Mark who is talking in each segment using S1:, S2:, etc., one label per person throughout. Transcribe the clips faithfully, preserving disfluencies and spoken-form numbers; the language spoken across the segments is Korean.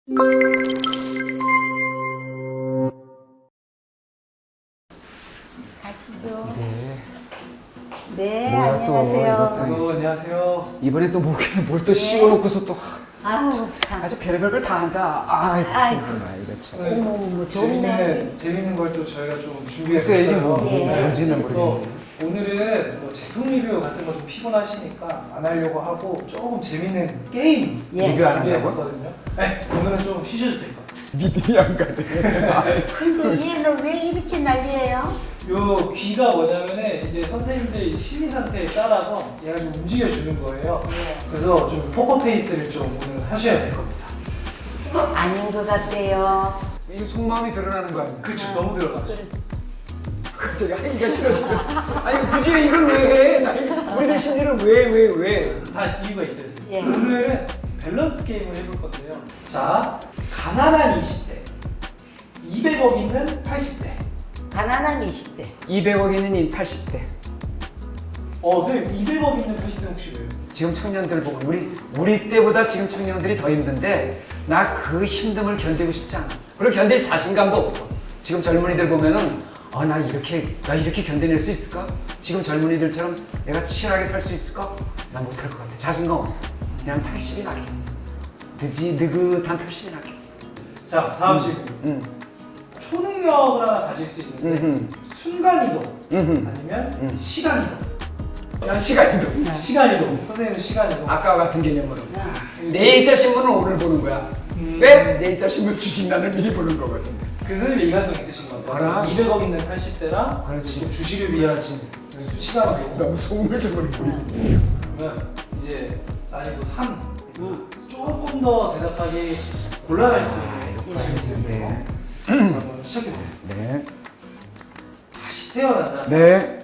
S1: 가시죠.
S2: 네.
S1: 네,
S2: 뭐야, 또
S1: 안녕하세요.
S2: 이것도.
S3: 아이고, 안녕하세요.
S2: 이번에 또 목에 뭘 또 씌워놓고서 또
S1: 아우 참.
S2: 아주 별의별 걸 다 한다. 아이고,
S1: 아이고.
S2: 이거 참.
S3: 오늘
S1: 어머, 어머, 좋네.
S3: 재밌는, 재밌는 걸 또 저희가 좀
S2: 글쎄, 이게 뭐,
S3: 준비했어요.
S1: 예.
S2: 뭔지는
S3: 그래서
S2: 모르겠네.
S3: 오늘은 뭐 제품 리뷰 같은 거 좀 피곤하시니까 안 하려고 하고 조금 재밌는 게임
S1: 예.
S2: 리뷰 안 한다고?
S3: 준비해봤거든요. 네, 오늘은 좀 쉬셔도 될 것 같아요.
S2: 믿음이 안 가네.
S1: 근데 얘는 왜 이렇게 난리예요?
S3: 요 귀가 뭐냐면은 이제 선생님들 심리 상태에 따라서 얘가 좀 움직여주는 거예요.
S1: 예.
S3: 그래서 좀 포커페이스를 좀 오늘 하셔야 될 겁니다.
S1: 아닌 것 같아요.
S2: 이게 속마음이 드러나는 거 아니야?
S3: 그쵸, 너무 들어가죠.
S2: 갑자기 하기가 싫어지겠어. 아니 굳이 이걸 왜 해? 나 이거 우리들 심리를 왜 왜 왜?
S3: 다 이유가 있어요.
S1: 예.
S3: 오늘은 밸런스 게임을 해볼 건데요. 자, 가난한 이십 대, 이백억 있는 팔십 대.
S1: 가난한 이십 대.
S2: 이백억 있는 팔십 대.
S3: 어, 선생님 이백억 있는 팔십 대 혹시 왜요?
S2: 지금 청년들 보고 우리 우리 때보다 지금 청년들이 더 힘든데 나 그 힘듦을 견디고 싶지 않아. 그리고 견딜 자신감도 없어. 지금 젊은이들 보면은 아, 나 이렇게 나 이렇게 견뎌낼 수 있을까? 지금 젊은이들처럼 내가 치열하게 살 수 있을까? 난 못할 것 같아. 자신감 없어. 그냥 팔십이 낫겠어. 느지 느긋한 팔십이 낫겠어.
S3: 자, 다음 질문.
S2: 응.
S3: 초능력을 하나 가질 수 있는데
S2: 음흠.
S3: 순간이동
S2: 음흠.
S3: 아니면
S2: 음.
S3: 시간이동.
S2: 야 시간이도.
S3: 시간이동. 선생님은 시간이동.
S2: 아까와 같은 개념으로. 내일자 신문은 오늘 보는 거야.
S3: 음.
S2: 왜? 내일자 신문 주식란을 미리 보는 거거든.
S3: 그 선생님 일관성 있으신 것 같아요.
S2: 알아?
S3: 이백억 있는 팔십 대랑
S2: 그렇지.
S3: 주식을 위한 시간이동.
S2: 너무 소음을 좀 보이네.
S3: 그러면 이제 난이도 삼. 조금 더 대답하기 곤란할 수 있는
S2: 네.
S3: 한번 시작해 보겠습니다.
S2: 네.
S3: 다시 태어난다.
S2: 네.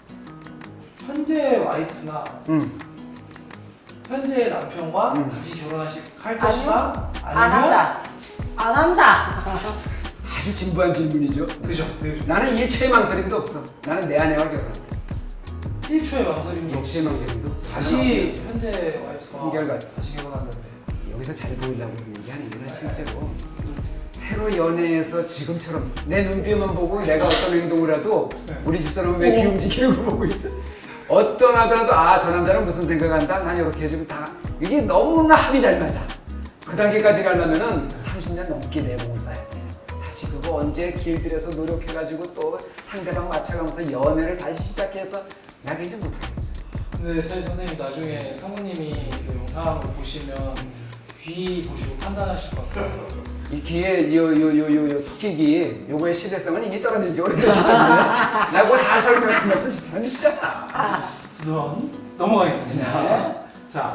S3: 현재 와이프나
S2: 음.
S3: 현재 남편과
S2: 음.
S3: 다시 결혼하실 할 것이다.
S1: 안 한다. 안 한다.
S2: 아주 진부한 질문이죠.
S3: 그죠? 네, 그죠.
S2: 나는 일초의 망설임도 없어. 나는 내 아내와 결혼한다.
S3: 일 초의 망설임도 없이
S2: 일초의 망설임도 없어.
S3: 다시 현재 와이프와
S2: 한결같이.
S3: 다시 결혼한다는데.
S2: 여기서 잘 보이려고 얘기하는 게 실제로 새로 연애해서 지금처럼 내 눈빛만 보고 내가 어떤 행동을 해도
S3: 네.
S2: 우리 집사람은 왜 귀 움직이는 걸 보고 있어? 어떤 하더라도 아, 저 남자는 무슨 생각한다? 난 이렇게 해주면 다 이게 너무나 합이 잘 맞아. 그 단계까지 가려면은 삼십 년 넘게 내공을 쌓아야 돼. 다시 그거 언제 길들여서 노력해가지고 또 상대방 맞춰가면서 연애를 다시 시작해서 나 굉장히 못하겠어.
S3: 근데 사실 선생님 나중에 사모님이 그 영상을 보시면 귀 보시고 판단하실 것 같아요.
S2: 이 귀에 요요요요 요 토끼귀 요거의 시대성은 이미 떨어진 지 오래됐기 때문에 나 그거 잘 설명하면 진짜.
S3: 우선 넘어가겠습니다.
S2: 네.
S3: 자.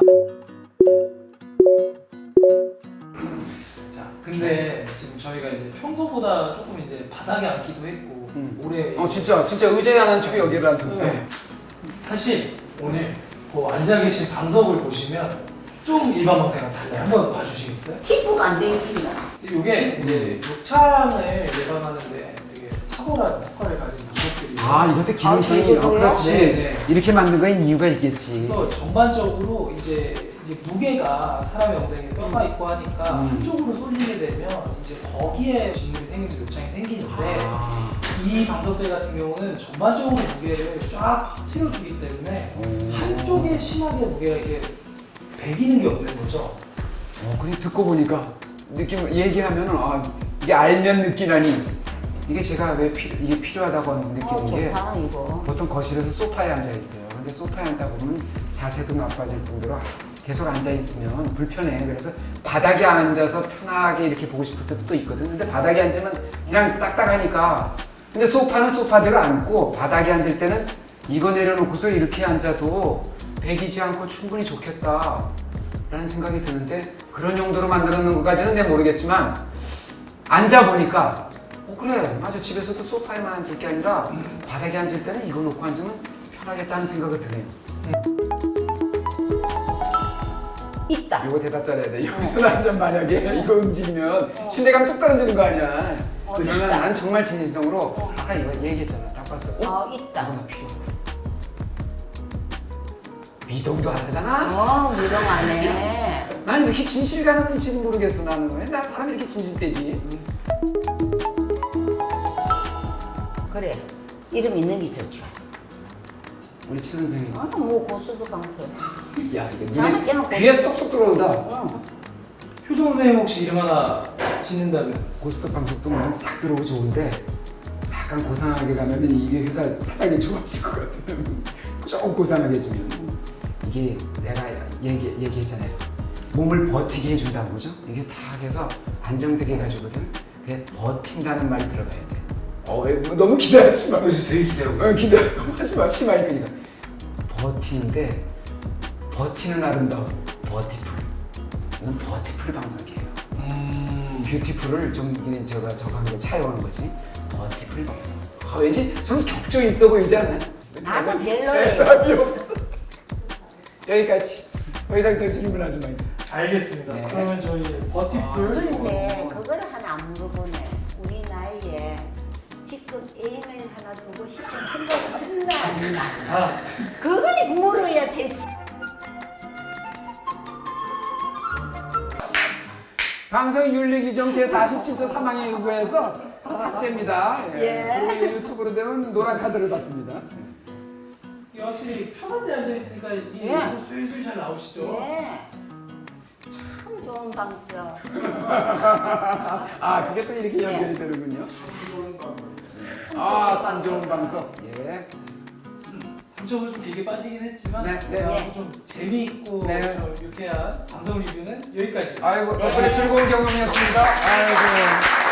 S3: 자, 근데 지금 저희가 이제 평소보다 조금 이제 바닥에 앉기도 했고
S2: 음.
S3: 올해
S2: 어 진짜 진짜 의자에 안 앉히고 여기를 앉혔어.
S3: 네. 사실 오늘 그 앉아 계신 방석을 보시면 좀 일반 방송이랑 달라요. 한번 봐주시겠어요?
S1: 피부가 안 되겠습니다.
S3: 이게 이제 욕창을 예방하는데 되게 탁월한 효과를 가진 방석들이
S2: 아 이것도 기능성이
S1: 아, 이거
S2: 어,
S1: 뭐예요?
S2: 그렇지.
S3: 네, 네.
S2: 이렇게 만든 거엔 이유가 있겠지.
S3: 그래서 전반적으로 이제, 이제 무게가 사람의 엉덩이에 뼈가 있고 하니까
S2: 음.
S3: 한쪽으로 쏠리게 되면 이제 거기에 진물이 생기면서 욕창이 생기는데
S2: 아.
S3: 이 방석들 같은 경우는 전반적으로 무게를 쫙 퍼뜨려주기 때문에
S2: 오.
S3: 한쪽에 심하게 무게가 이렇게 배기는 게 없는 거죠.
S2: 어, 그냥 듣고 보니까 느낌 얘기하면은 아 이게 알면 느끼라니 이게 제가 왜 피, 이게 필요하다고 느끼는
S1: 어,
S2: 게
S1: 좋다 이거.
S2: 보통 거실에서 소파에 앉아 있어요. 근데 소파에 앉다 보면 자세도 나빠질 뿐더러 계속 앉아 있으면 불편해. 그래서 바닥에 앉아서 편하게 이렇게 보고 싶을 때도 또 있거든. 근데 바닥에 앉으면 그냥 딱딱하니까. 근데 소파는 소파대로 앉고 바닥에 앉을 때는 이거 내려놓고서 이렇게 앉아도 배기지 않고 충분히 좋겠다 라는 생각이 드는데 그런 용도로 만들어 놓은 것까지는 내가 모르겠지만 앉아보니까 어 그래 맞아 집에서도 소파에만 앉을 게 아니라 바닥에 앉을 때는 이거 놓고 앉으면 편하겠다는 생각이 드네요.
S1: 있다.
S2: 이거 대답 잘해야 돼. 여기서 앉아 만약에 이거 움직이면 신뢰감 뚝 떨어지는 거 아니야.
S1: 어,
S2: 그러면
S1: 있다.
S2: 난 정말 진심성으로 아까 이거 얘기했잖아. 딱 봤을 때 어?
S1: 어 있다.
S2: 이거 나 필요해. 미동도 안 하잖아.
S1: 어, 미동 안 해.
S2: 난 이렇게 진실 가는지는 모르겠어 나는. 난 사람이 이렇게 진실되지.
S1: 그래. 이름 있는 게 좋죠.
S2: 우리 최 선생님.
S1: 아, 뭐 고수도 방패.
S2: 야 이게
S1: 저는
S2: 눈에
S1: 깨놓고
S2: 귀에 쏙쏙 들어온다.
S1: 응.
S3: 효정 선생님 혹시 이름 하나 짓는다면?
S2: 고스톱 방석도 물론 싹 들어오고 좋은데 약간 고상하게 가면은 이게 회사 사장님 좋아하실 것 같아요. 조금 고상하게 주면 이게 내가 얘기, 얘기했잖아요. 몸을 버티게 해준다는 거죠. 이게 다 해서 안정되게 해가지거든. 그게 버틴다는 말이 들어가야 돼. 어, 왜, 뭐 너무 기대하지 마.
S3: 그래서 되게 기대하고
S2: 어, 기대하지 마. 심할 거니까. 버티는데 버티는 아름다움. 버티풀. 이건 버티풀 방석이에요.
S3: 음...
S2: 뷰티풀을 좀 이게 제가 저거 한 거 차용한 거지. 버티풀 방석. 아, 왠지 좀 격조 있어 보이지 않아요?
S1: 나도 별로예요.
S2: 답이 없어. 여기까지. 더 이상 더 질문하지 마요.
S3: 알겠습니다.
S2: 네.
S3: 그러면 저희 버티풀
S1: 그런데 그걸 하나 안 물어보네. 우리 나이에 지금 애인을 하나 두고 싶은 생각 했나 안 나.
S3: 아,
S1: 그걸 물어야 되지.
S2: 방송윤리규정 제사십칠 조 삼 항에 의거해서 삭제입니다. 예.
S1: 예.
S2: 그리고 유튜브로 되면 노란 카드를 받습니다.
S3: 이게 확실히 편한 데 앉아 있으니까 이
S1: 예.
S3: 예. 수일수일 잘 나오시죠?
S1: 예. 참 좋은 방송.
S2: 아, 그게 또 이렇게 연결이 되는군요. 아, 참 좋은 방송. 예.
S3: 삼 점을 좀 길게 빠지긴 했지만
S2: 네, 네.
S3: 그래도 좀 재미있고
S2: 네.
S3: 좀 유쾌한 방송 리뷰는 여기까지.
S2: 아이고,
S1: 네.
S2: 덕분에 즐거운 경험이었습니다. 아이고.